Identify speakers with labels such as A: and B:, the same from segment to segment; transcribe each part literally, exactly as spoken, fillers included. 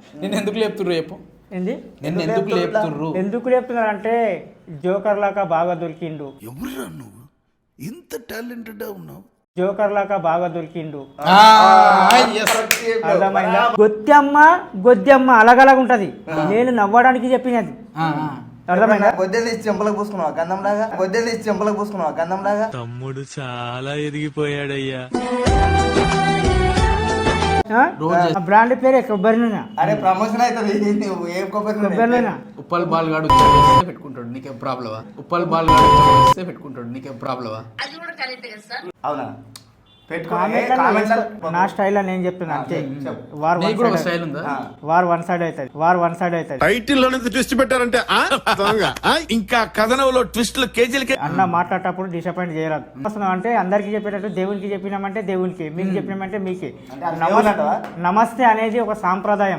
A: నేను ఎందుకు లేపుతుర్రు చెప్పు
B: ఏంది
A: నేను ఎందుకు లేపుతుర్రు
B: ఎందుకు లేపుతున్నారు అంటే జోకర్ లాగా బాగా దొరికిండు.
C: ఎవరురా నువ్వు ఇంత టాలెంటెడ్ ఉన్నావు?
B: జోకర్ లాగా బాగా దొరికిండు.
A: ఆ, yes.
B: అర్థమైందా? గొత్తెమ్మ గొద్దెమ్మ అలగలగా ఉంటది. నేను నవ్వడానికి చెప్పినది.
A: ఆ, ఆ.
B: అర్థమైందా?
D: గొద్దెలు తీసి చెంపలకు పూసుకున్నావా గంధం లాగా? గొద్దెలు తీసి చెంపలకు పూసుకున్నావా గంధం లాగా?
E: తమ్ముడు చాలా ఎదిగిపోయాడయ్యా.
B: బ్రాండ్ పేరే కొబ్బరి నూనె.
D: అరే ప్రమోషన్ అవుతుంది. నువ్వు ఏం కొబ్బరి
B: కొబ్బరి నూనె.
A: ఉప్పల్ బాల్ గాడు ఉచ్చ పెట్టుకుంటాడు, నీకేం ప్రాబ్లమా? ఉప్పల్ బాల్ గాడు ఉచ్చ పెట్టుకుంటాడు, నీకేం ప్రాబ్లమా?
D: అవునా?
B: నా స్టైల్ నేను చెప్తున్నా అంతే. వార్
A: నీకు కూడా ఒక స్టైల్ ఉందా?
B: వార్ వన్ సైడ్ అవుతుంది. వార్ వన్ సైడ్ అవుతుంది.
C: టైటిల్ లో ట్విస్ట్ పెట్టారంటే ఇంకా కథనంలో ట్విస్ట్లు కేజీలకి.
B: అన్న మాట్లాడేటప్పుడు డిసప్పాయింట్ చేయరాదు. వస్తున్నాం అంటే అందరికి చెప్పేటట్టు దేవునికి చెప్పినామంటే దేవునికి, మీకు చెప్పినామంటే మీకే. నమస్తే అనేది ఒక సాంప్రదాయం.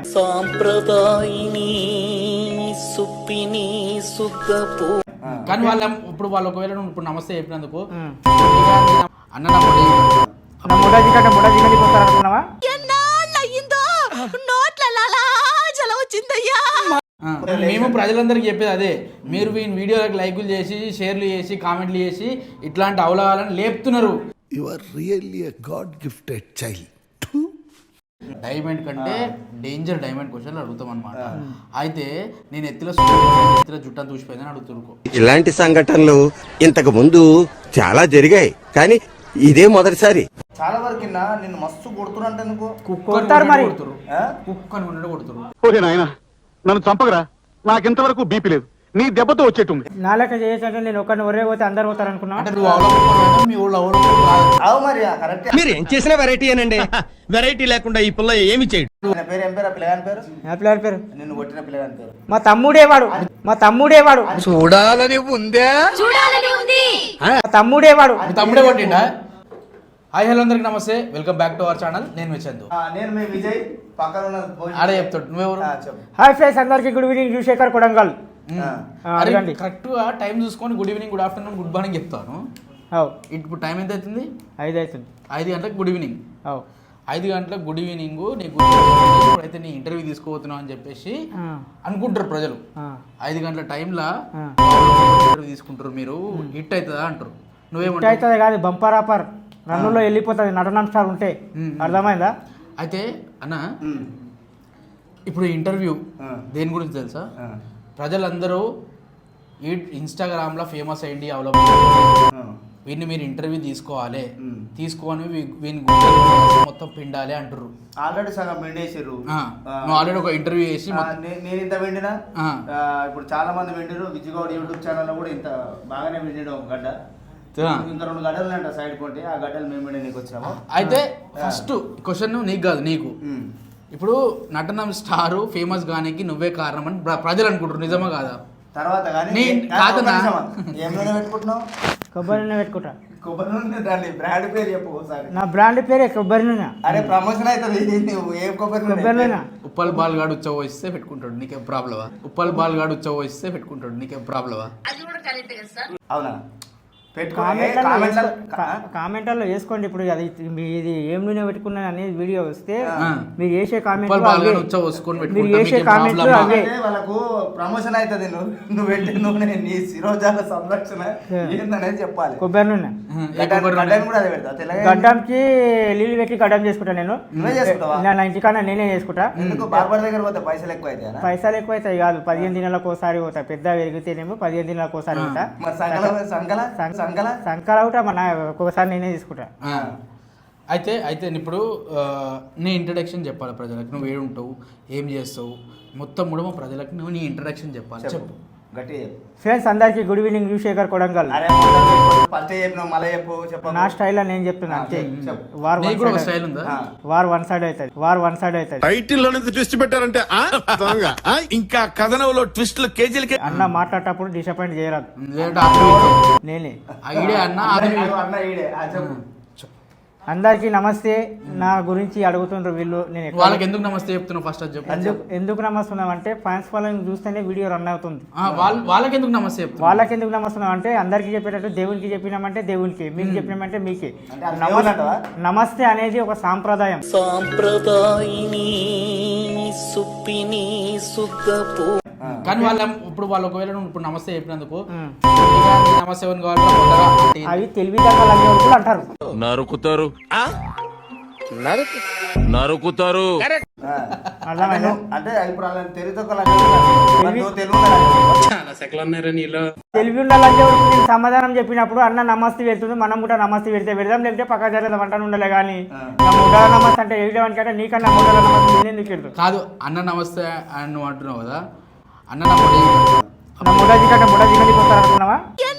A: కానీ వాళ్ళ ఇప్పుడు వాళ్ళు ఒకవేళ నువ్వు ఇప్పుడు నమస్తే చెప్పినందుకు అన్న
B: నా ముడాజీ కంటే ముడాజీ కంటే పోతారు అనుకున్నావా?
A: మేము ప్రజలందరికీ చెప్పేది అదే. మీరు వీని వీడియోలకు లైకులు చేసి షేర్లు చేసి కామెంట్లు చేసి ఇట్లాంటి అవలవాలని లేపుతున్నారు.
C: You are really a god gifted child.
A: Diamond కంటే డేంజర్ డైమండ్ క్వశ్చన్లు అడుగుతాం అనమాట. అయితే నేను ఎత్తుల ఎత్తుల జుట్టని చూసిపోయిందని అడుగుతురుకో.
F: ఇలాంటి సంఘటనలు ఇంతకు ముందు చాలా జరిగాయి, కానీ ఇదే మొదటిసారి.
D: చాలా వరకు నిన్ను మస్తు కొడుతున్నారు ఎందుకు?
B: కొడతారు మరి.
A: కుక్కని ఉండడం కొడుతురు.
G: ఓకే నాయన నన్ను చంపకరా, నాకింతవరకు బీపీ లేదు, నీ దెబ్బతో వచ్చేటుంది.
B: నా లెక్క చేయొచ్చంటే నేను ఒకరిని ఒరే పోతే అందరు పోతారు అనుకున్నా.
A: అంటే నువ్వు అవలకున్నా మీ ఊళ్ళో అవలకున్నా కాదు.
D: అవు మరి కరెక్ట్.
E: మీరు ఏం చేసినా వెరైటీ అనండి. వెరైటీ లేకుండా ఈ పిల్ల ఏమి చేయడు.
D: పేరు ఏం పేరు? పిల్లగాని పేరు?
B: నా పిల్లల పేరు
D: నిన్ను కొట్టిన పిల్లగాని పేరు?
B: మా తమ్ముడేవాడు. మా తమ్ముడేవాడు.
E: చూడాలని ఉందే
B: మా తమ్ముడేవాడు.
A: మీ తమ్ముడే కొట్టిండా? హాయ్ హలో అందరికి నమస్తే, welcome back to our channel. నేను మీ చందు.
D: నేను మీ విజయ్. పక్కన ఉన్న
A: ఆడే చెప్తాడు. నువ్వెవరు?
B: హాయ్ ఫ్రెండ్స్ అందరికి గుడ్ ఈవినింగ్. శేఖర్ కొడంగల్. అడగండి.
A: కరెక్ట్గా టైం చూసుకొని good evening, good afternoon, good morning చెప్తాను. ఇప్పుడు టైం ఎంత అవుతుంది?
B: ఐదు అవుతుంది.
A: ఐదు గంటలకు గుడ్ ఈవినింగ్. ఐదు గంటలకు గుడ్ ఈవినింగ్. నీకు ఇప్పుడైతే నీ ఇంటర్వ్యూ తీసుకోబోతున్నావు అని చెప్పేసి అనుకుంటారు ప్రజలు. ఐదు గంటల టైంలో ఇంటర్వ్యూ తీసుకుంటారు, మీరు హిట్ అవుతుందా అంటారు. నువ్వేమంటావు?
B: హిట్ అవుతుంది కాదు, బంపర్ ఆపర్ రన్నులో వెళ్ళిపోతుంది నటనాంశాలు ఉంటే. అర్థమైందా?
A: అయితే అన్న ఇప్పుడు ఇంటర్వ్యూ దేని గురించి తెలుసా? ప్రజలందరూ ఈ ఇన్స్టాగ్రామ్లో ఫేమస్ అయ్యింది అవలంబించారు. వీడిని మీరు ఇంటర్వ్యూ తీసుకోవాలి, తీసుకొని వీని మొత్తం పిండాలి అంటారు.
D: ఆల్రెడీ సగం వెండేసారు.
A: నువ్వు ఆల్రెడీ ఒక ఇంటర్వ్యూ చేసి
D: నేను ఇంత వెండినా ఇప్పుడు చాలా మంది వెండిరు. విజయగౌడ్ యూట్యూబ్ ఛానల్లో కూడా ఇంత బాగానే వెండిడు ఒక గడ్డ. ఇంకా రెండు గడ్డలు అంట సైడ్ కొంటే ఆ గడ్డలు మేము నీకు వచ్చినాము. అయితే
A: ఫస్ట్ క్వశ్చన్ నీకు కాదు, నీకు. ఇప్పుడు నటనం స్టారు ఫేమస్ గానికి నువ్వే కారణం అని ప్రజలు అనుకుంటారు, నిజమా కాదా?
D: తర్వాత పెట్టుకుంటున్నావు
B: కొబ్బరి నూనె పెట్టుకుంటా.
D: కొబ్బరి నూనె దాన్ని బ్రాండ్ పేరు చెప్పు ఒకసారి.
B: నా బ్రాండ్ పేరే కొబ్బరి నూనె.
D: అరే ప్రమోషన్ అవుతుంది. నువ్వు ఏం కొబ్బరి
B: కొబ్బరి నూనె?
A: ఉప్పల్ బాల్ గాడు ఉచ్చ పోయిస్తే పెట్టుకుంటాడు, నీకేం ప్రాబ్లమా? ఉప్పల్ బాల్ గాడు ఉచ్చ పోయిస్తే పెట్టుకుంటాడు, నీకేం ప్రాబ్లమా?
D: అవునా?
B: కామెంట్లలో వేసుకోండి. ఇప్పుడు అది ఇది ఏం నూనె పెట్టుకున్నా అనేది వీడియో వస్తే మీరు చేసే కామెంట్ మీరు చేసే కామెంట్లు అవే
D: వాళ్ళకు ప్రమోషన్ అవుతుంది. నువ్వు నువ్వు పెట్టే నూనె నీ శిరోజాల సంరక్షణ ఏందనేది చెప్పాలి.
B: కొబ్బరి నూనె
D: కూడా అదే పెడతా.
B: గడ్డంకి నీళ్ళు పెట్టి గడ్డం చేసుకుంటా నేను. నా ఇంటికన్నా నేనే చేసుకుంటా.
D: ఎందుకు బార్బర్ దగ్గర పోతే పైసలు ఎక్కువ అవుతాయి?
B: పైసలు ఎక్కువ అవుతాయి కాదు, పదిహేను దినాలకు ఒకసారి పోతా. పెద్ద పెరిగితేనేమో పదిహేను దినాలకు ఒకసారి పోతా. సంకల ఒకటా మన ఒక్కొక్కసారి నేనే తీసుకుంటా.
A: అయితే అయితే ఇప్పుడు నీ ఇంట్రడక్షన్ చెప్పాలి ప్రజలకు. నువ్వు ఏడు ఉంటావు, ఏం చేస్తావు, మొత్తం కూడా మా ప్రజలకు నువ్వు నీ ఇంట్రడక్షన్ చెప్పాలి. చెప్పు.
B: ఫ్రెండ్స్ అందరికి గుడ్ ఈవినింగ్. శేఖర్ కొడంగల్. నా స్టైల్ నేను చెప్తున్నా అంతే. వార్
A: స్టైల్ ఉందా?
B: వార్ వన్ సైడ్ అవుతుంది. వార్ వన్ సైడ్ అవుతుంది.
C: టైటిల్ లో ట్విస్ట్ పెట్టారంటే ఇంకా కథనంలో ట్విస్ట్లు కేజీలకి.
B: అన్న మాట్లాడేటప్పుడు డిసప్పాయింట్ చేయరాదు. నేనే అందరికీ నమస్తే. నా గురించి అడుగుతుండ్రు వీళ్ళు. నేను ఎక్కడ-
A: వాళ్ళకి ఎందుకు నమస్తే చెప్తున్నావు ఫస్ట్ అది చెప్పు.
B: ఎందుకు ఎందుకు నమస్తున్నాం అంటే ఫ్యాన్స్ ఫాలోయింగ్ చూస్తేనే వీడియో రన్ అవుతుంది.
A: ఆ, వాళ్ళ వాళ్ళకి ఎందుకు నమస్తే చెప్తున్నావు?
B: వాళ్ళకి ఎందుకు నమస్తున్నాం అంటే అందరికీ చెప్పేటట్టు దేవునికి చెప్పినామంటే దేవునికి, మీకు చెప్పినామంటే మీకే.
D: అంటే అది
B: నమస్-
D: దేవునంటవా?
B: నమస్తే అనేది ఒక సాంప్రదాయం.
A: కానీ వాళ్ళ ఇప్పుడు వాళ్ళు ఒకవేళ నువ్వు ఇప్పుడు నమస్తే చెప్పినందుకు
B: ఉమ్.
A: ఇక నీ నమస్తే ఎవరిని కావాలి కొత్తగా అంటే
B: అవి తెలివితేటలు అనే వాళ్ళు అంటారు.
C: నరుకుతారు నరుకుతారు
D: ఆ.
B: అర్థమైందా?
D: అంటే ఇప్పుడు వాళ్ళని తెలివితో తెలుగు
B: తెలివి ఉండాలంటే నేను సమాధానం చెప్పినప్పుడు అన్న నమస్తే పెడుతుంది, మనం కూడా నమస్తే పెడితే పెడదాం, లేకపోతే పక్క జరగదు అంటాను ఉండాలి. కానీ నా ముడ్డాల నమస్తే అంటే వేయడానికి నీకన్నా ముడ్డాల నమస్తే నేను ఎందుకు వెళ్తాను?
A: కాదు అన్న నమస్తే అని నువ్వు అంటున్నావు కదా, అన్న నమ్మడి
B: నా ముడాజీ కంటే ముడాజీ కంటే పోతారు అనుకున్నావా?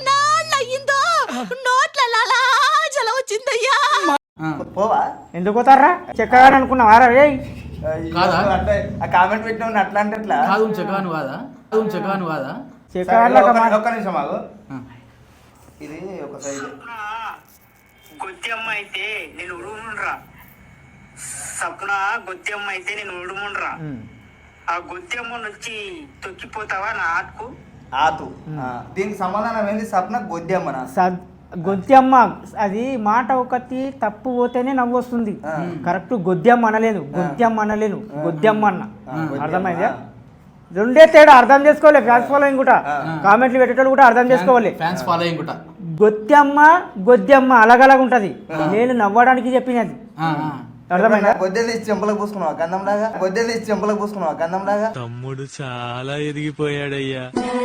D: పోవా
B: ఎందుకు పోతారా చెక్కగా అనుకున్నావా? రే
A: కాదా?
D: అంటే ఆ కామెంట్ పెట్టిన అట్లా అంటే ఎట్లా?
A: కాదు చెకాను కాదా, కాదు చెకాను కాదా.
D: సరే,
B: చెక్కగా
D: ఒక్క- ఒక్క నిమిషం ఆగు.
A: ఆ.
D: ఇది ఒక సైడ్
H: గొత్తెమ్మ అయితే నేను ఉడుముండ్రా సప్న గొత్తెమ్మ అయితే నేను ఉడుముండ్రా ఆ గొత్తెమ్మ నుంచి తొక్కిపోతావా నా ఆటకు
D: ఆతు ఆ, దీనికి సమాధానం ఏంది? సప్న గొద్దెమ్మనా?
B: సద్ గొద్దెమ్మ అది మాట ఒకటి తప్పు పోతేనే నవ్వు వస్తుంది. కరెక్ట్ గొద్దెమ్మ అనలేను, గొద్దెమ్మ అనలేను, గొద్దెమ్మ అన్న. అర్థమైందా? రెండే తేడా అర్థం చేసుకోవాలి. ఫ్యాన్స్ ఫాలోయింగ్ కూడా కామెంట్లు పెట్టేటోళ్ళు కూడా అర్థం చేసుకోవాలి.
A: ఫ్యాన్స్ ఫాలోయింగ్ కూడా
B: గొత్తెమ్మ గొద్దెమ్మ అలగలగా ఉంటది. నేను నవ్వడానికి చెప్పినది.
A: ఆ, ఆ.
B: అర్థమైందా?
D: గొద్దెలు తీసి చెంపలకు పూసుకున్నావా గంధం లాగా? గొద్దెలు తీసి చెంపలకు పూసుకున్నావా గంధం లాగా?
E: తమ్ముడు చాలా ఎదిగిపోయాడయ్యా.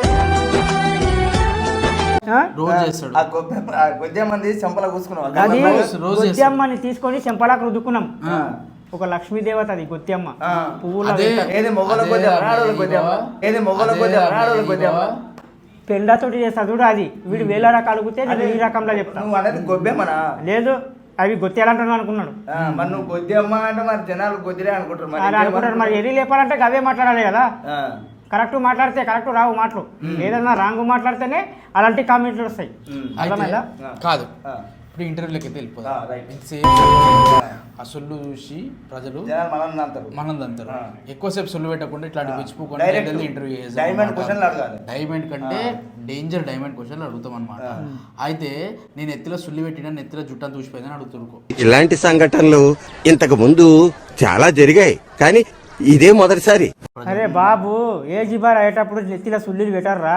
B: ఆ?
A: రోజు చేస్తాడు
D: ఆ గొబ్బె ఆ గొద్దెమ్మని తీసి చెంపలకు పూసుకున్నావా
B: అది
D: గంధం లాగా?
A: రోజు- రోజు
B: గొద్దెమ్మని తీసుకొని చెంపలాకు రుద్దుకున్నాం.
A: ఆ.
B: ఒక లక్ష్మీదేవత అది గొద్దెమ్మ.
D: ఆ.
B: పువ్వుల
A: అదే
B: వెంట
D: ఏది మొగల
A: అదే
D: గొద్దెమ్మ
A: అదే
D: ఆడోళ్ళ గొద్దెమ్మ?
A: బావ.
D: ఏది మొగల
A: అదే
D: గొద్దెమ్మ
A: అదే
D: ఆడోళ్ళ గొద్దెమ్మ?
A: బావ.
B: పెండతోటి చేస్తా చూడు. అది వీడు వేల రకాలు అడిగితే నేను ఈ రకంలో చెప్తాను.
D: నువ్వు అనేది గొబ్బెమ్మనా?
B: లేదు అవి గొత్తేయాలంటున్నాను అనుకున్నాడు.
D: ఆ, మరి నువ్వు గొద్దెమ్మ అంటే మరి జనాలు గొద్దిరే అనుకుంటారు మరి
B: అని అనుకుంటారు. మరి ఎది లేపాలంటే అవే మాట్లాడాలి కదా.
D: ఆ.
B: కరెక్ట్ మాట్లాడితే కరెక్ట్ రావు మాటలు. ఏదన్నా రాంగ్ మాట్లాడితేనే అలాంటి కామెంట్లు వస్తాయి.
D: ఉమ్.
A: అయితే
B: అర్థమైందా?
A: కాదు
D: ఆ.
A: ఇప్పుడు ఇంటర్వ్యూలోకి అయితే
D: ఆ,
A: వెళ్ళిపోతాం.
D: రైట్.
A: ఎంతసేపు ఆ సొల్లు చూసి ప్రజలు
D: జనాలు మనల్ని అంటారు.
A: మనం అంటారు.
D: ఆ.
A: ఎక్కువసేపు సొల్లు పెట్టకుండా ఇట్లాంటి పిచ్చిపోకుండా
D: డైరెక్ట్
A: ఇంటర్వ్యూ
D: డైమండ్ క్వశ్చన్లు అడగాలి.
A: డైమండ్ కంటే డేంజర్ డైమండ్ క్వశ్చన్లు అడుగుతాం అనమాట. అయితే నేను ఎత్తిలో సుల్లి పెట్టినా నెత్తిలో జుట్టని చూసిపోయిందని అడుగుతురుకో.
F: ఇలాంటి సంఘటనలు ఇంతకు ముందు చాలా జరిగాయి కానీ ఇదే మొదటిసారి.
B: అరే బాబు ఏజీ బార్ అయ్యేటప్పుడు నెత్తిలో సుల్లీలు పెట్టారా?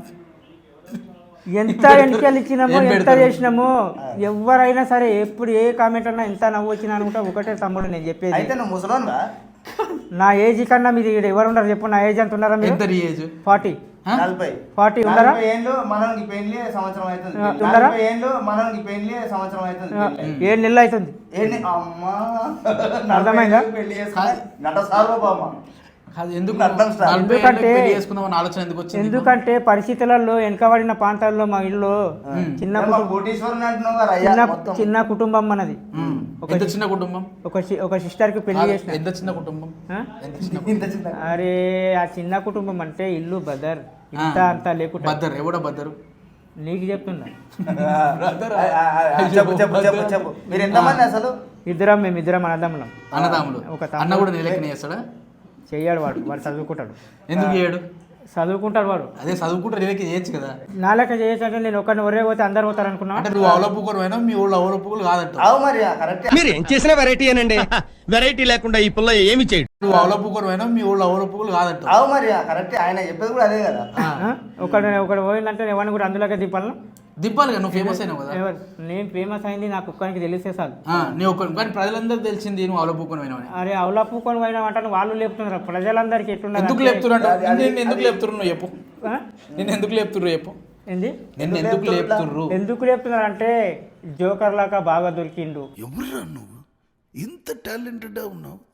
B: ఎంత ఎన్నికలు ఇచ్చినామో
A: ఏం
B: ఎంత
A: పెడతారు?
B: చేసినామో ఎవరైనా సరే ఎప్పుడు ఏ కామెంట్ అన్నా ఎంత నవ్వు వచ్చినా అనుకుంటా ఒకటే తమ్ముడు నేను చెప్పేది.
D: అయితే నువ్వు ముసలోన్గా?
B: నా ఏజ్ కన్నా మీరు ఈడ ఎవరు ఉన్నారు చెప్పు. నా ఏజ్ ఎంత ఉన్నారా మీరు?
A: ఎంత నీ ఏజ్?
B: ఫార్టీ
D: నలభై
B: ఫార్టీ ఉన్నారా?
D: నలభై ఏళ్ళు మనకి పెళ్లి సంవత్సరం అవుతుంది.
B: ఆ, ఉన్నారా?
D: నలభై ఏళ్ళు మనకి పెళ్లి సంవత్సరం అవుతుంది. పెళ్లి.
B: ఏడు నెలలు అవుతుంది.
D: ఏంటి అమ్మా
B: అర్థమైందా?
D: పెళ్లి చేసుకుని నట సార్వభౌమ.
A: అది ఎందుకు
D: అర్థం సార్.
A: నలభై ఏళ్ళకి
B: ఎందుకంటే-
A: పెళ్లి చేసుకుందామని ఆలోచన ఎందుకు వచ్చింది నీకు?
B: ఎందుకంటే పరిస్థితులలో వెనకబడిన ప్రాంతాల్లో మా ఇల్లు చిన్న
D: ఏమ్మా,
B: కుటుంబం
D: కోటీశ్వరుని అంటున్నావు కదా అయ్యా
B: చిన్న
D: మొత్తం.
B: చిన్న కుటుంబం మనది.
A: ఉమ్.
B: ఒక
A: ఎంత చిన్న కుటుంబం?
B: ఒక సి- ఒక సిస్టర్ కి పెళ్లి
A: కాదు,
B: చేసిన.
A: ఎంత చిన్న కుటుంబం?
B: ఆ?
A: ఎంత చిన్న
D: ఇంత చిన్న
B: అరే ఆ చిన్న కుటుంబం అంటే ఇల్లు బదర్ ఇంత అంత లేకుండా
A: బద్దరు ఎవడ బద్దరు?
B: నీకు చెప్తున్నా.
D: ఆ, ఆ, ఆ, చెప్పు చెప్పు చెప్పు చెప్పు మీరు ఎంతమంది అసలు?
B: ఇద్దరం మేము ఇద్దరం అన్నదమ్ములం.
A: అన్నదాములు.
B: ఒక
A: అన్న
B: తమ్ముడు
A: కూడా నిలకని చేస్తాడా?
B: చెయ్యాడు వాడు. వాడు చదువుకుంటాడు.
A: ఎందుకు చేయడు?
B: చదువుకుంటాడు వాడు.
A: అదే చదువుకుంటారు నిలకి చేయొచ్చు కదా.
B: నా లెక్క చేయొచ్చు అంటే నేను ఒకరిని ఒరే పోతే అందరు పోతారు అనుకున్నా.
A: అంటే నువ్వు అవలపుకోరు అయినా మీ ఊళ్ళో అవలపుకోలు కాదంట.
D: అవు మరి కరెక్ట్.
E: మీరు ఏం చేసినా వెరైటీ అనండి. వెరైటీ లేకుండా ఈ పుల్ల ఏమి చేయడు.
A: నువ్వు అవలపుకోరు అయినా మీ ఊళ్ళో అవలపుకోలు కాదంట.
D: అవు మరి కరెక్ట్. ఆయన చెప్పేది కూడా అదే కదా.
B: ఒకడు ఒకడు పోయిందంటే ఎవరిని కూడా అందులోకి దింపాలను.
A: దింపాలి కదా, నువ్వు ఫేమస్ అయినావు కదా.
B: ఎవరు నేను ఫేమస్ అయింది నాకు ఒక్కరికి తెలిస్తే చాలు.
A: ఆ, నీ ఒక్క కానీ ప్రజలందరికీ తెలిసింది నువ్వు అవలపుకోను అయినావని.
B: అరే అవులా పూకొని పోయినా అంటే వాళ్ళు లేపుతున్నారు. ప్రజలందరికీ ఎట్లున్నారు
A: ఎందుకు
B: అంటే-
A: లేపుతున్నారు? నేను ఎందుకు లేపుతున్నారు నువ్వు చెప్పు.
B: ఆ?
A: నేను ఎందుకు లేపుతుర్రు చెప్పు.
B: ఏంది
A: నిన్ను ఎందుకు లేపుతుర్రు?
B: ఎందుకు లేపుతున్నారు అంటే జోకర్ లాగా బాగా దొరికిండు.
C: ఎవరురా నువ్వు ఇంత టాలెంటెడ్ ఉన్నావు?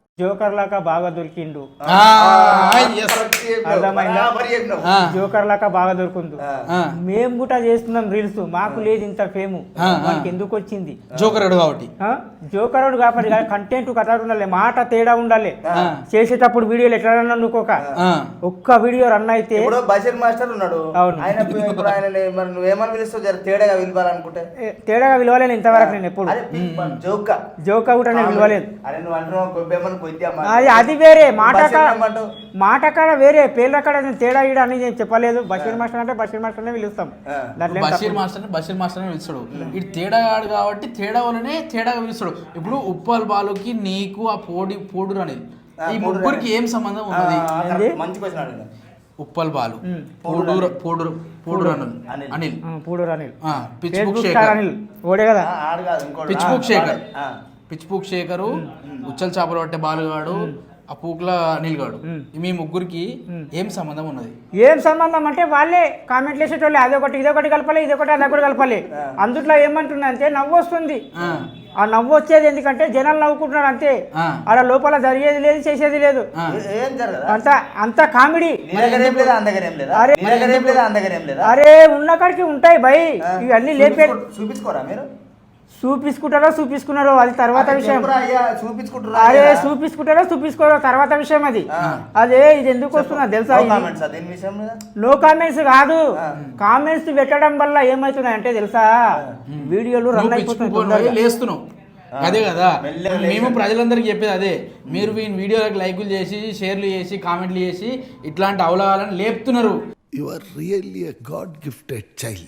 B: జోకర్ లాగా బాగా దొరికిండు.
A: ఆ, yes.
B: అర్థమైందా?
D: బరాబర్ చెప్పినావు.
A: ఆ,
B: జోకర్ లాగా బాగా దొరుకుంది.
A: ఆ.
B: మేము కూడా చేస్తున్నాం రీల్స్, మాకు లేదు ఇంత ఫేము,
A: ఆ, ఆ.
B: మనకి ఎందుకు వచ్చింది?
A: జోకర్ కాబట్టి
B: ఆ? జోకరుడు కాబట్టి కంటెంట్ కథ ఉండాలి, మాట తేడా ఉండాలి.
A: ఆ.
B: చేసేటప్పుడు వీడియోలు ఎట్లా రన్ అనుకోక
A: ఆ,
B: ఒక్క వీడియో రన్ అయితే
D: ఇప్పుడు బషీర్ మాస్టర్ ఉన్నాడు.
B: అవును.
D: ఆయన ఇప్పుడు ఆయన మరి నువ్వేమని పిలుస్తావు? జర తేడాగా పిలవాలనుకుంటే
B: ఏ, తేడాగా విలువలేను ఇంతవరకు నేను ఎప్పుడు.
D: అరే జోక్
B: జోక కూడా నేను విలువలేదు.
D: అరే నువ్వు అంటున్నావు కొబ్బేమని కొద్దిగా
B: అది అది వేరే మాట
D: బషీర్
B: కాడ-
D: ఏమంటావు?
B: మాట కాడ వేరే, పేర్ల కాడ నేను తేడా ఈడ అని నేను చెప్పలేదు. బషీర్ మాస్టర్ అంటే బషీర్ మాస్టర్నే పిలుస్తాం.
D: ఆ.
B: దాంట్లో ఏం
A: బషీర్
B: తప్పు.
A: మాస్టర్ బషీర్ మాస్టర్ అని పిలుస్తాడు. ఇటు తేడాగాడు కాబట్టి తేడా వల్లనే తేడాగా పిలుస్తాడు. ఇప్పుడు ఉప్పల్ బాలుకి నీకు ఆ పోడి పోడురు అనేది ఈ ముగ్గురికి ఏం సంబంధం
D: ఆ,
A: ఉన్నది?
D: ఆ, కరెక్ట్. మంచి క్వశ్చన్ అడిగిన.
A: ఉప్పల్ బాలు,
B: ఉమ్.
A: పోడూరు పోడూరు పోడూరు అనిల్
D: అనిల్.
A: అనిల్
B: ఆ, పూడూరు అనిల్,
A: ఆ, pitch book
B: Facebook
A: Shekhar,
B: star Anil ఓడే కదా.
D: ఆ, ఆడు కాదు ఇంకోటి.
A: పిచ్
D: ఆ,
A: బుక్ శేఖర్,
D: ఆ.
A: పిచ్ బుక్ శేఖరు, ఉచ్చల్ చేపలు పట్టే బాలుగాడు, ఆ పూకుల అనిల్ గాడు, మీ ముగ్గురికి ఏం సంబంధం ఉన్నది?
B: ఏం సంబంధం అంటే వాళ్ళే కామెంట్లు వేసేటోళ్ళే, అదొకటి ఇదొకటి కలపాలి, ఇదొకటి అదొకటి కలపాలి. అందుట్లో ఏమంటున్నా అంటే నవ్వు వస్తుంది.
A: ఆ,
B: ఆ నవ్వు వచ్చేది ఎందుకంటే జనాలు నవ్వుకుంటున్నారు అంతే.
A: ఆ.
B: ఆడ లోపల జరిగేది లేదు, చేసేది లేదు.
A: ఆ.
D: ఏ- ఏం జరగదా?
B: అంత అంత కామెడీ.
D: నీ దగ్గర ఏం లేదా? అంద దగ్గర ఏం లేదా?
B: అరే,
D: నీ దగ్గర ఏం లేదా? అంద దగ్గర ఏం లేదా?
B: అరే ఉన్న కాడికి ఉంటాయి భయ్, ఇవన్నీ లేపే
D: చూపించుకో- చూపించుకోరా మీరు?
B: చూపించుకుంటారో చూపించుకున్నారో అది తర్వాత
D: అరే
B: విషయం.
D: చెప్పురా అయ్యా, చూపించుకుంటురా
B: అరే
D: లేదా?
B: చూపించుకుంటారో చూపించుకోరో తర్వాత విషయం అది. అదే ఇది ఎందుకు వస్తున్నా తెలుసా?
D: No
B: ఇది
D: comments ఆ దీని విషయం మీద?
B: నో కామెంట్స్ కాదు, కామెంట్స్ పెట్టడం వల్ల ఏమవుతున్నాయి అంటే తెలుసా, వీడియోలు రన్
A: నువ్వు
B: అయిపోతున్నాయి
A: పిచ్చుకుపోయి
B: తొందరగా.
A: లేస్తున్నావు అదే కదా.
D: మెల్లగా
A: మేము ప్రజలందరికీ చెప్పేది అదే, మీరు ఈ వీడియోలకు లైకులు చేసి షేర్లు చేసి కామెంట్లు చేసి ఇట్లాంటి అవలాలను లేపుతున్నారు.
C: You are really a god gifted child.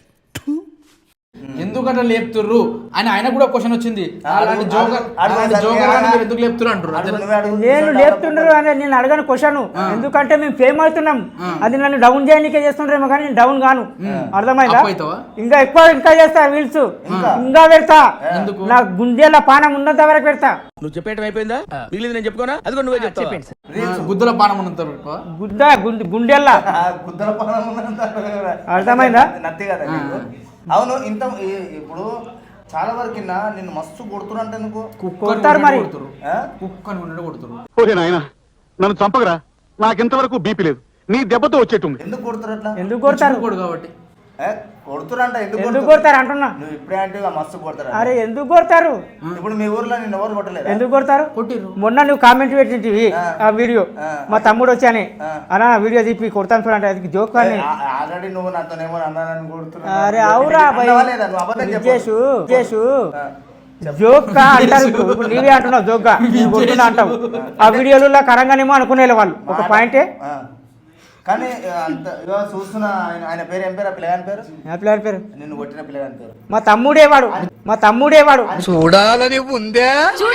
A: ఎందుకంటే లేపుతుర్రు అని ఆయన కూడా క్వశ్చన్ వచ్చింది. అలాంటి జోకర్
D: అడుగు,
A: అలాంటి
D: అడుగు,
A: జోకర్ అని
D: అడుగు.
A: మీరు ఎందుకు లేపుతున్నారు అంటారు.
D: అడుగు, నువ్వే అడుగు.
B: నేను లేపుతుండ్రు అని నేను అడగను క్వశ్చన్, ఎందుకంటే మేము ఫేమ్ అవుతున్నాం. అది నన్ను డౌన్ చేయడానికే చేస్తుండ్రేమో కానీ నేను డౌన్ గాను. అర్థమైందా?
A: అప్పు అవుతావా?
B: ఇంకా ఎక్కువ ఇంకా చేస్తా వీల్స్, ఇంకా పెడతా.
A: ఎందుకు?
B: నా గుండెల పానం ఉన్నంత వరకు పెడతా.
E: నువ్వు చెప్పేయటం అయిపోయిందా? మిగిలింది నేను చెప్పుకోనా? అది కూడా నువ్వే చెప్తావా?
A: గుద్దుల పానం ఉన్నంత
B: గుద్ద గుండె గుండెల్లా.
D: ఆ, గుద్దల పానం ఉన్నంత
B: అర్థమైందా?
D: నత్తి కదా నీకు. అవును ఇంత ఈ- ఇప్పుడు చాలా వరకు నిన్ను మస్తు కొడుతున్నారు అంటే ఎందుకు?
B: కొడతారు మరి.
D: ఆ?
A: కుక్కని ఉన్నట్టు కొడుతురు.
G: ఓకే నాయన నన్ను చంపకరా, నాకింతవరకు బీపీ లేదు. నీ దెబ్బతో వచ్చేట్టుంది.
D: ఎందుకు కొడుతురు అట్లా?
B: ఎందుకు కొడతారు?
A: కొడు కాబట్టి
D: ఏ, కొడుతురంట ఎందుకు
B: ఎందుకు
D: కొడుతురు?
B: కొడతారు అంటున్నా.
D: నువ్వు ఇప్పుడే అంటే ఇక మస్తు కొడతారు.
B: అరే ఎందుకు కొడతారు?
D: ఇప్పుడు మీ ఊర్లో నిన్ను ఎవరు కొట్టలేదు?
B: ఎందుకు కొడతారు?
A: కొట్టిర్రు.
B: మొన్న నువ్వు కామెంట్ పెట్టింటివి ఆ వీడియో, మా తమ్ముడు వచ్చాని అన్న వీడియో తీపి కొడతాను చూడండి, అది జోక్ అని.
D: ఆల్రెడీ నువ్వు నాతోనేమో అన్నానని కొడుతున్నా.
B: అరే అవురా భయ్,
D: అన్నావా లేదా? నువ్వు అబద్ధం చెప్పు.
B: విజేషు విజేషు జోక్గా అంటారు. ఇప్పుడు ఇప్పుడు నీవే అంటున్నావు జోక్గా, నేను కొడుతున్నా అంటావు. ఆ వీడియోలలో కరంగానేమో అనుకునే వాళ్ళు ఒక పాయింటే.
D: ఆ. కానీ అంత ఇగో చూస్తున్నా ఆయన ఆయన పేరు ఏం పేరు? ఆ పిల్లగాని పేరు?
B: నా పిల్లల పేరు
D: నిన్ను కొట్టిన పిల్లగాని పేరు?
B: మా తమ్ముడేవాడు, మా తమ్ముడేవాడు,
C: చూడాలని ఉందే.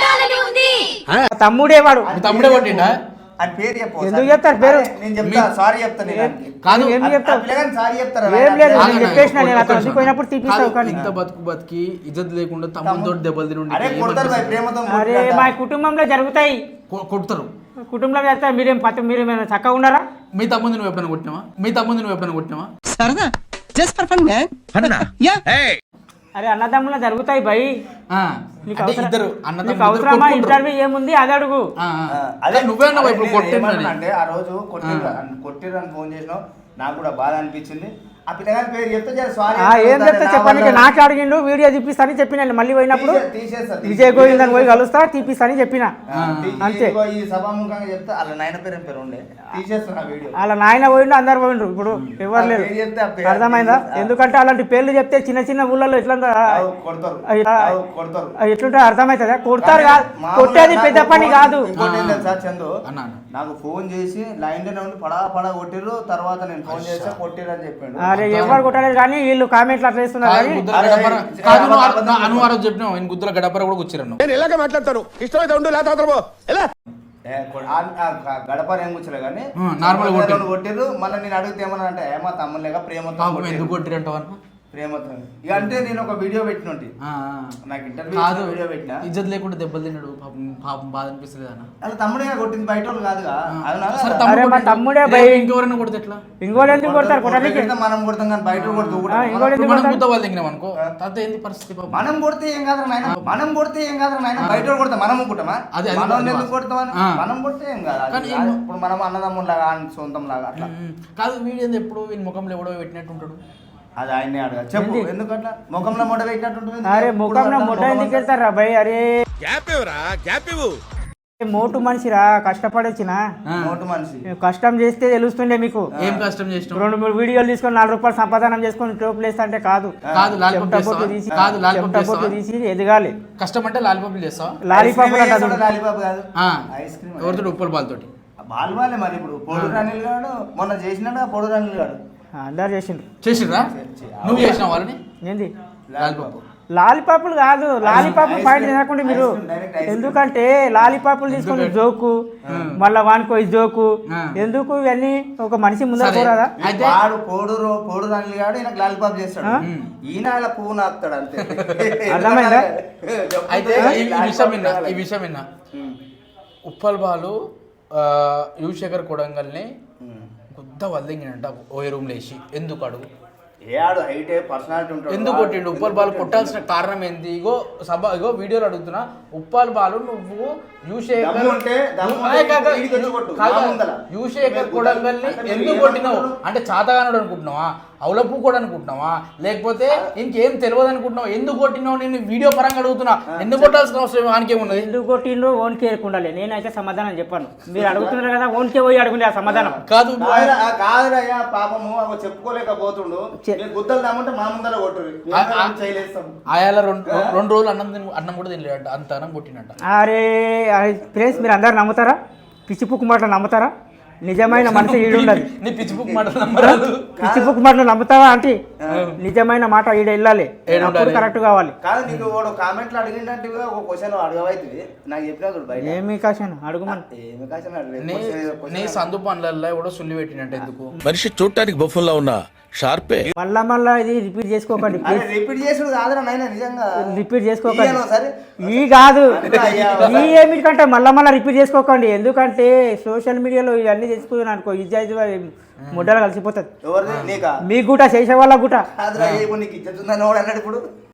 B: మా తమ్ముడేవాడు.
A: మీ తమ్ముడే కొట్టిండా?
D: ఆయన పేరు చెప్పు.
B: ఎందుకు చెప్తారు పేరు?
D: నేను చెప్తా, సారీ చెప్తా నేను ఆయనకి.
A: కాదు.
B: ఏం
D: ఆ
B: చెప్తావు?
D: పిల్లగాని సారీ చెప్తారా?
B: ఏం లేదు,
A: ఆగండి,
B: నేను చెప్పేసిన, నేను
A: ఒక్క
B: అతను
A: నిమిషం.
B: పోయినప్పుడు తీపిస్తావు కానీ.
A: ఇంత బతుకు బతికి ఇజ్జత్ లేకుండా తమ్ముతో దెబ్బలు తిని ఉండి
D: అరే కొడతారు భయ్, ప్రేమతో
B: అరే
D: కొట్టినట్ట.
B: మా కుటుంబంలో జరుగుతాయి,
A: కొ- కొడతారు.
B: కుటుంబంలో జరుగుతాయి. మీరేం పత్తి మీరేమైనా చక్కగా ఉన్నారా?
A: మీ తమ్ముంది నువ్వు ఎప్పుడైనా కొట్టినావా? మీ తమ్ముంది నువ్వు ఎప్పుడైనా కొట్టినావా?
E: సరదా just for fun man. Yeah
B: అరే అన్నదమ్ములో జరుగుతాయి భయ్.
A: ఆ,
B: నీకు
A: అంటే
B: అవసరం-
A: ఇద్దరు
B: నీకు
A: అన్నదమ్ములు
B: అవసరమా?
A: కొట్టుకుంటారు.
B: ఇంటర్వ్యూ ఏముంది అది అడుగు.
A: ఆ, ఆ.
D: ఆ,
A: అదే నువ్వే అన్నావు ఇప్పుడు
D: నేను
A: కొట్టిందని.
D: ఏమన్నా అంటే ఆ రోజు కొట్టిర్రు కొట్టిర్రని ఫోన్ చేసినావు, నాకు కూడా బాధ అనిపించింది. ఆ పిల్లగాని పేరు చెప్తే జర సారీ
B: ఆ, ఏం చెప్తా చెప్పండి, నాకు అడిగిండు వీడియో తీపిస్తానని చెప్పిన, మళ్ళీ పోయినప్పుడు
D: తీసేస్తా
B: విజయ్ గోవిందని పోయి కలుస్తా తీపిస్తానని చెప్పిన. అంతే.
D: ఈ సభాముఖంగా చెప్తే వాళ్ళ నాయన పేరు ఏం పేరు ఉండే తీసేస్తున్నా వీడియో.
B: వాళ్ళ నాయన పోయిండు, అందరు పోయిండ్రు, ఇప్పుడు ఎవరు లేరు.
D: పేరు చెప్తే ఆ పేరు
B: అర్థమైందా?
D: తీసేస్తా.
B: ఎందుకంటే అలాంటి పేర్లు చెప్తే చిన్న చిన్న ఊళ్ళలో ఎట్లా
D: ఆవు కొడతారు ఆవు కొడతారు.
B: ఎట్లుంటే అర్థమవుతుందా? కొడతారు కాదు,
D: మామూలుగా
B: కొట్టేది
D: నాకు
B: పెద్ద పని
D: ఫోన్-
B: కాదు.
D: ఇంకోటి ఏం తెలుసా చందు,
A: అన్నా, అన్నా.
D: నాకు ఫోన్ చేసి లైన్ లోనే ఉండి పడా పడా కొట్టిర్రు, తర్వాత నేను ఫోన్ చేస్తే కొట్టిర్రు అని చెప్పిండు.
B: అరే ఎవరు కొట్టలేదు కానీ వీళ్ళు కామెంట్లు అట్లా వేస్తున్నారు
A: కాదు,
B: కానీ.
A: గుద్దల
D: అరే,
A: గడపర
D: అరే,
A: కాదు, నువ్వు
D: అబద్ధం
A: నా-
D: చెప్పు.
A: అను ఆ రోజు చెప్పినావు ఆయన గుద్దల గడపర కూడా కూర్చున్నాను.
C: నేను ఇలాగే మాట్లాడతాను. ఇష్టమైతే ఉండు, లేకపోతే పో. ఎలా
D: ఏ, కొ- ఆ- ఆ గ- గడప ఏం కూర్చోలే కానీ
A: ఆ, నార్మల్ కొట్టిర్రు.
D: కొట్టిర్రు. మళ్ళీ నేను అడిగితే ఏమన్నా అంటే ఏమో తమ్ముళ్ళగా ప్రేమతో
A: పాపం
D: కొట్టిర్రు.
A: ఎందుకు కొట్టిరంటావు అన్న?
D: ప్రేమతో ఇక అంటే నేను ఒక వీడియో పెట్టినట్టు
A: ఆ, ఆ.
D: నాకు ఇంటర్వ్యూ
A: కాదు
D: వీడియో పెట్టినా
A: ఇజ్జత్ లేకుండా దెబ్బలు తిన్నాడు పాపం పాపం బాధ అనిపిస్తుంది అన్న
D: అలా తమ్ముడే కొట్టింది బయట వాళ్ళు కాదుగా అవునా
A: సరే,
D: కదా?
A: తమ్ముడు
B: అరే, మా
A: కొట్టిండు.
B: తమ్ముడే
A: లేదు,
B: భయ్.
A: ఇంకెవరైనా కొడితే ఎట్లా
B: ఇంకోటి ఎందుకు కొడతారు కొట్టడానికి
D: కొడితే మనం కొడతాం కానీ బయట కొడుతూ కూడా
B: ఆ, ఇంకోటి
A: ఇప్పుడు
B: ఎందుకు
A: మనం
B: కొడతారు?
A: గుద్ద వాళ్ళు దిగినాం అనుకో తాత ఏంది పరిస్థితి పాపం
D: మనం కొడితే ఏం కాదు నాయన మనం కొడితే ఏం కాదు నాయన బయట వాళ్ళు కొడతాం మనం కొట్టమా
A: అది- అది
D: మనం
A: అది
D: ఎందుకు కొడతామని
A: ఆ.
D: మనం కొడితే ఏం కాదు అది
A: కానీ
D: కాదు.
A: ఏం-
D: ఇప్పుడు మనం అన్నదమ్ముల లాగా సొంతం లాగా అట్లా
A: ఉమ్. కాదు వీడియో ఎప్పుడు వీని ముఖంలో ఎవడో పెట్టినట్టు ఉంటాడు
D: అది ఆయన్నే అడగా చెప్పు ఎందుకు అట్లా ముఖంలో మొడ పెట్టినట్టు ఉంటుంది
B: అరే
D: ఎప్పుడు
B: ముఖంలో
D: అట్లా
B: ముట్ట
D: ముఖం
B: ఎందుకు
D: అంతా-
B: వెళ్తారా భయ్? అరే
C: గ్యాప్ ఇవ్వరా గ్యాప్ ఇవ్వు
B: మోటు మనిషిరా, కష్టపడొచ్చిన
D: నోటు మనిషి
B: కష్టం చేస్తే తెలుస్తుండే మీకు.
A: ఏం కష్టం చేసినావు
B: రెండు మూడు వీడియోలు తీసుకొని నాలుగు రూపాయలు సంపాదనం చేసుకొని టోపులు వేస్తా అంటే కాదు.
A: కాదు లాలిపాప్
B: చెమట
A: చేస్తావా?
B: బొట్టు తీసి
A: కాదు లాలిపాప్
B: చెమట బొట్టు
A: చేస్తావా?
B: తీసి ఎదగాలి.
A: కష్టం అంటే లాలిపాపులు చేస్తావా
B: లాలీపాపులు అంటారు.
D: లాలీపాప్ కాదు
A: ఆ.
D: ఐస్ క్రీమ్
A: ఎవరితో ఉప్పల బాల్తోటి
D: బాల్ వాళ్ళే మరి ఇప్పుడు పొడు రాణిల్ గాడు మొన్న చేసినాడు పొడు రాణిల్ గాడు
B: అందరు చేసిండ్రు.
A: చేసిర్రా నువ్వు చేసినావు వాళ్ళని
B: ఏంది
A: లాలిపాపు
B: లాలీపాపులు కాదు, లాలీపాపు
D: ఐస్
B: పాయింట్
D: క్రీమ్,
B: తినకుండా
D: ఐస్
B: మీరు.
D: Cream, direct ice cream.
B: ఎందుకంటే లాలీపాపులు తీసుకొని జోకు మళ్ళా వానికో ఈ జోకు
A: ఆ.
B: ఎందుకు ఇవన్నీ ఒక మనిషి ముందర
A: సరే.
B: పోరాదా?
A: అయితే
D: వాడు పోడు రో- పోడు రాణిల్ గాడు ఈయన లాలీపాప్ చేస్తాడు
B: ఆ?
D: ఈయన ఇలా పువ్వు నాస్తాడు అంతే
B: అర్థమైందా?
A: అయితే ఈ ఈ విషయం విన్నా ఈ విషయం విన్నా ఉప్పల్ బాలు ఆ, యువశేఖర్ కొడంగల్ని గుద్ద వల్లింగినంట ఓ రూమ్ లేచి ఎందుకు అడుగు
D: ఏ ఆడు హైట్ పర్సనాలిటీ ఉంటాడు
A: ఎందుకు కొట్టిండు ఉప్పల్ బాలు కొట్టాల్సిన కారణం ఏంటి ఇగో సభ ఇగో వీడియోలు అడుగుతున్నా ఉప్పల్ బాలు నువ్వు యువశేఖర్
D: దమ్ము ఉంటే దమ్ము ఉంటే
A: అదే కాక
D: ఈడికి వచ్చి కొట్టు,
A: కాదు,
D: మా ముందల.
A: యువశేఖర్
D: మీరు
A: కొడంగల్ని
D: అంటే మీరు
A: ఎందుకు
D: ఏమనుకుంటున్నారు?
A: కొట్టినావు అంటే చాతగానుడు అనుకుంటున్నావా అవులపు కూడా అనుకుంటున్నావా లేకపోతే ఇంకేం తెలియదు అనుకుంటున్నావు ఎందుకు కొట్టినావు నేను వీడియో పరంగా అడుగుతున్నా ఎందుకు కొట్టాల్సిన అవసరం వానికేమున్నది
B: ఎందుకు కొట్టిండ్రు ఓన్కే ఉండాలి. నేనైతే సమాధానం చెప్పాను. మీరు అడుగుతున్నారు కదా ఓన్కే పోయి అడుగుండే ఆ సమాధానం.
A: కాదు
D: కాదురా, ఆ కాదురయ్యా పాపము అవి చెప్పుకోలేకపోతుండు
B: చె-
D: మీరు గుద్దలు దమ్ముంటే మా ముందర కొట్టురు
A: ఆ- ఆ-
D: చేయలేస్తాం
A: ఆయాల రెండు రెండు రోజులు అన్నం తిని అన్నం కూడా తినలేదంట అంత అన్నం కొట్టినట్ట
B: అరే ఫ్రెండ్స్ మీరు అందరు నమ్ముతారా? పిచ్చి పుక్కు మాటలు నమ్ముతారా? నిజమైన మనిషి ఈడుండదు.
A: నీ పిచ్చి బుక్ మాట నమ్మరాదు
B: పిచ్చి పుక్కు మాటలు నమ్ముతావా అంటే నిజమైన మాట ఈడ వెళ్ళాలి,
A: ఈడ
B: అప్పుడు
A: ఉండాలి.
B: కరెక్ట్ కావాలి.
D: కాదు నీకు వాడు కామెంట్లు అడిగినట్టు ఒక క్వశ్చన్ అడగవైతుంది నాకు చెప్పినా చూడు బయట
B: ఏమి కాశాను అడుగుమని.
D: ఏమి క్వశ్చన్
A: నీ
D: అడగలేదు
A: నీ సందు పనులలో కూడా సుల్లి పెట్టినట్టు ఎందుకు
C: మనిషి చూడటానికి బొఫన్లా ఉన్నా షార్పే
B: మళ్ళా మళ్ళా ఇది రిపీట్ చేసుకోకండి
D: అరే రిపీట్ చేసుడు కాదురా నాయన నిజంగా
B: రిపీట్ చేసుకోకండి.
D: ఇయ్యను సరే
B: ఈ కాదు
D: అన్నా అయ్యా,
B: ఈ ఏమిటికంటే మళ్ళా మళ్ళీ రిపీట్ చేసుకోకండి. ఎందుకంటే సోషల్ మీడియాలో ఇవన్నీ చేసుకుని అనుకో ఇజ్జాయితీ ముడ్డలు కలిసిపోతుంది.
D: ఎవరిది నీకా
B: మీ గుట చేసే వాళ్ళ గుట
D: కాదురా ఇప్పుడు నీకు ఇచ్చేస్తుందని వాడు అన్నాడు ఇప్పుడు